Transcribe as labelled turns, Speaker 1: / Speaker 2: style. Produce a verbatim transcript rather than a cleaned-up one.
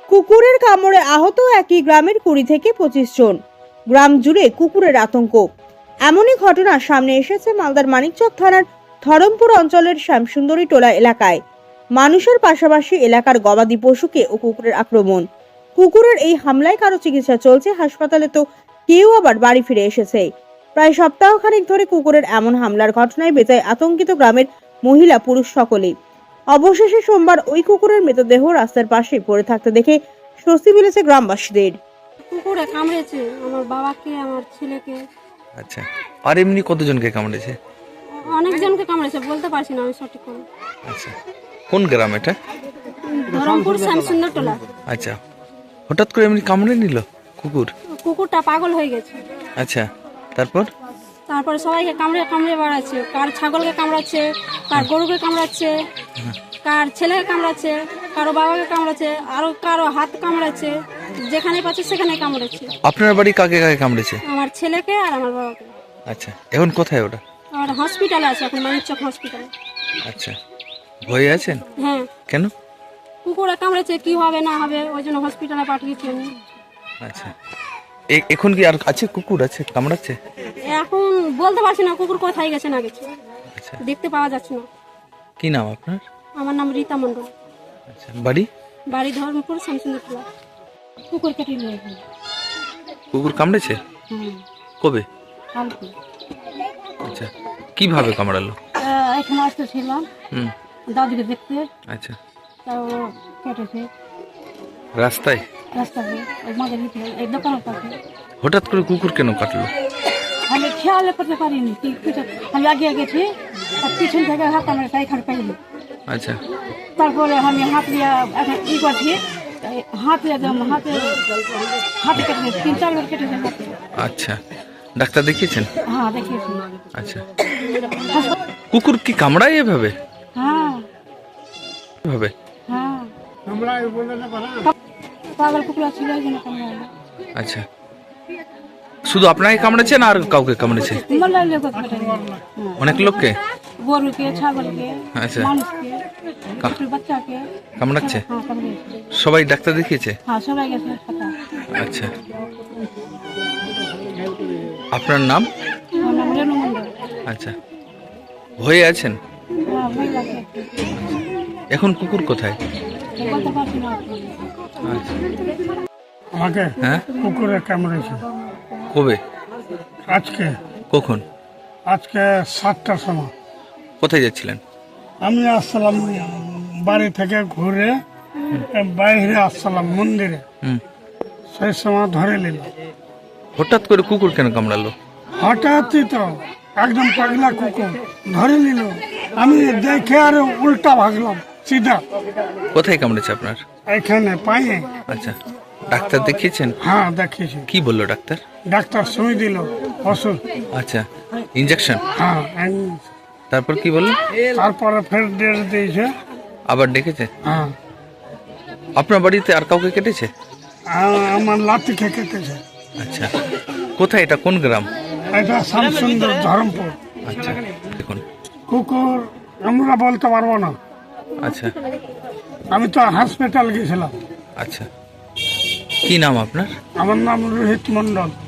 Speaker 1: কুকুরের কামড়ে আহত একই গ্রামের কুড়ি থেকে পঁচিশ জন। গ্রাম জুড়ে কুকুরের আতঙ্ক। এমনই ঘটনা সামনে এসেছে মালদার মানিকচক থানার ধরমপুর অঞ্চলের শ্যামসুন্দরী টোলা এলাকায়। মানুষের পাশাপাশি এলাকার গবাদি পশুকে ও কুকুরের আক্রমণ। কুকুরের এই হামলায় কারো চিকিৎসা চলছে হাসপাতালে, তো কেউ আবার বাড়ি ফিরে এসেছে। প্রায় সপ্তাহখানেক ধরে কুকুরের এমন হামলার ঘটনায় বেজায় আতঙ্কিত গ্রামের মহিলা পুরুষ সকলেই। অবশেষে সোমবার ওই কুকুরের মৃতদেহ রাস্তার পাশে পড়ে থাকতে দেখে স্বস্তি মিলেছে গ্রামবাসীদের।
Speaker 2: কুকুরে কামড়েছে আমার বাবাকে, আমার ছেলেকে।
Speaker 3: আচ্ছা, আর এমনি কতজনকে কামড়েছে?
Speaker 2: অনেকজনকে কামড়েছে, বলতে পারছি না আমি সঠিক করে।
Speaker 3: আচ্ছা, কোন গ্রাম এটা?
Speaker 2: ধরমপুর শ্যামসুন্দর টোলা।
Speaker 3: আচ্ছা, হঠাৎ করে এমনি কামড়ে নিল কুকুর?
Speaker 2: কুকুরটা পাগল হয়ে গেছে।
Speaker 3: আচ্ছা, তারপর?
Speaker 2: তারপরে সবাইকে কামড়ে কামড়ে বেড়াচ্ছে, কার ছাগলকে কামড়াচ্ছে, কার গরুকে কামড়াচ্ছে, কার ছেলেকে কামড়াচ্ছে, কারো বাবাকে কামড়াচ্ছে, আরো কারো হাত কামড়াচ্ছে, যেখানে পাচ্ছে সেখানে কামড়াচ্ছে।
Speaker 3: আপনার বাড়ি কাকে কাকে কামড়েছে?
Speaker 2: আমার ছেলেকে আর আমার বাবাকে।
Speaker 3: আচ্ছা, এখন কোথায় ওটা?
Speaker 2: আর হসপিটালে আছে এখন, মানিকচক হসপিটালে।
Speaker 3: আচ্ছা, ভয়ে আছেন?
Speaker 2: হ্যাঁ।
Speaker 3: কেন?
Speaker 2: কুকুরে কামড়েছে, কি হবে না হবে ওই জন্য হসপিটালে পাঠিয়েছি আমি।
Speaker 3: আচ্ছা, এ- এখন কি আর আছে কুকুর আছে কামড়াচ্ছে?
Speaker 2: এখন বলতে পারছি না কুকুর কোথায় গেছে না গেছে,
Speaker 3: আচ্ছা,
Speaker 2: দেখতে পাওয়া যাচ্ছে না।
Speaker 3: কি নাম আপনার?
Speaker 2: আমার নাম রীতা মণ্ডল,
Speaker 3: আচ্ছা, বাড়ি?
Speaker 2: বাড়ি ধর্মপুর শ্যামসুন্দর টোলা। কুকুর কেটে নিয়ে গেছে।
Speaker 3: কুকুর কামড়েছে? কবে?
Speaker 2: কালকে
Speaker 3: আচ্ছা, কিভাবে কামড়ালো?
Speaker 2: এখানে আসতেছিলাম
Speaker 3: হুম,
Speaker 2: দাদুকে দেখতে,
Speaker 3: আচ্ছা,
Speaker 2: তাও কেটেছে
Speaker 3: রাস্তায়?
Speaker 2: রাস্তাতে আমাদের এই দোকানের পাশে।
Speaker 3: হঠাৎ করে কুকুর কেন কাটলো?
Speaker 2: আমি খেয়াল করতে পারিনি, কি পিছন আমি আগে গেছি আর পিছন থেকে হাত আমার এখানে পাইনি।
Speaker 3: আচ্ছা,
Speaker 2: তারপরে আমি হাত দিয়ে এখন ই করছি, হাত দিয়ে একদম হাতে হাতে কেটে তিন চার বার কেটেছে হাতে।
Speaker 3: আচ্ছা, ডাক্তার দেখিয়েছেন?
Speaker 2: হ্যাঁ দেখিয়েছি।
Speaker 3: আচ্ছা, কুকুর কি কামড়ায় এভাবে?
Speaker 2: হ্যাঁ
Speaker 3: এভাবে?
Speaker 2: হ্যাঁ পাগল কুকুর ছিল ওই জন্য কামড়ায়।
Speaker 3: আচ্ছা, শুধু আপনাকে কামড়েছে না আর কাউকে কামড়েছে?
Speaker 2: মলার লোক কেটে
Speaker 3: অনেক লোককে?
Speaker 2: গরুকে, ছাগলকে,
Speaker 3: আচ্ছা,
Speaker 2: মানুষকে, ছোট বাচ্চাকে
Speaker 3: কামড়াচ্ছে?
Speaker 2: হ্যাঁ কামড়িয়েছে।
Speaker 3: সবাই ডাক্তার দেখিয়েছে?
Speaker 2: হ্যাঁ সবাই গেছে হাসপাতাল।
Speaker 3: আচ্ছা, আপনার নাম?
Speaker 2: আমার নাম রেণু মণ্ডল।
Speaker 3: আচ্ছা, ভয়ে আছেন?
Speaker 2: হ্যাঁ ভয় লাগে,
Speaker 3: এখন কুকুর কোথায়?
Speaker 2: বলতে পারছি না।
Speaker 3: আচ্ছা,
Speaker 4: আমাকে
Speaker 3: হ্যাঁ,
Speaker 4: কুকুরে কামড়েছে
Speaker 3: কবে?
Speaker 4: আজকে
Speaker 3: কখন?
Speaker 4: আজকে সাতটার সময়।
Speaker 3: কোথায় যাচ্ছিলেন?
Speaker 4: আমি আসলাম বাড়ি থেকে ঘুরে বাইরে আসলাম মন্দিরে,
Speaker 3: হুম,
Speaker 4: সেই সময় ধরে নিল।
Speaker 3: হঠাৎ করে কুকুর কেন কামড়ালো?
Speaker 4: হঠাৎই তো একদম পাগলা কুকুর ধরে নিল। আমি দেখে আর উল্টা ভাগলাম সিধা
Speaker 3: কোথায় কামড়েছে আপনার?
Speaker 4: এখানে পায়ে।
Speaker 3: আচ্ছা, ডাক্তার দেখিয়েছেন?
Speaker 4: হ্যাঁ দেখিয়েছি,
Speaker 3: কি বললো ডাক্তার?
Speaker 4: ডাক্তার সুই দিল ওষুধ।
Speaker 3: আচ্ছা, ইঞ্জেকশন?
Speaker 4: হ্যাঁ এই-
Speaker 3: তারপর কি বললো?
Speaker 4: তারপরে ফের ডেট দিয়েছে।
Speaker 3: আবার ডেকেছে?
Speaker 4: হ্যাঁ
Speaker 3: আপনার বাড়িতে আর কাউকে কেটেছে?
Speaker 4: আ- আমার লাঠি খেয়ে কেটেছে।
Speaker 3: আচ্ছা, কোথায় এটা, কোন গ্রাম?
Speaker 4: এটা শ্যামসুন্দর ধরমপুর।
Speaker 3: আচ্ছা, দেখুন।
Speaker 4: কুকুর আমরা বলতে পারবো না,
Speaker 3: আচ্ছা,
Speaker 4: আমি তো হসপিটাল গেছিলাম।
Speaker 3: আচ্ছা, কি নাম আপনার?
Speaker 4: আমার নাম রোহিত মন্ডল।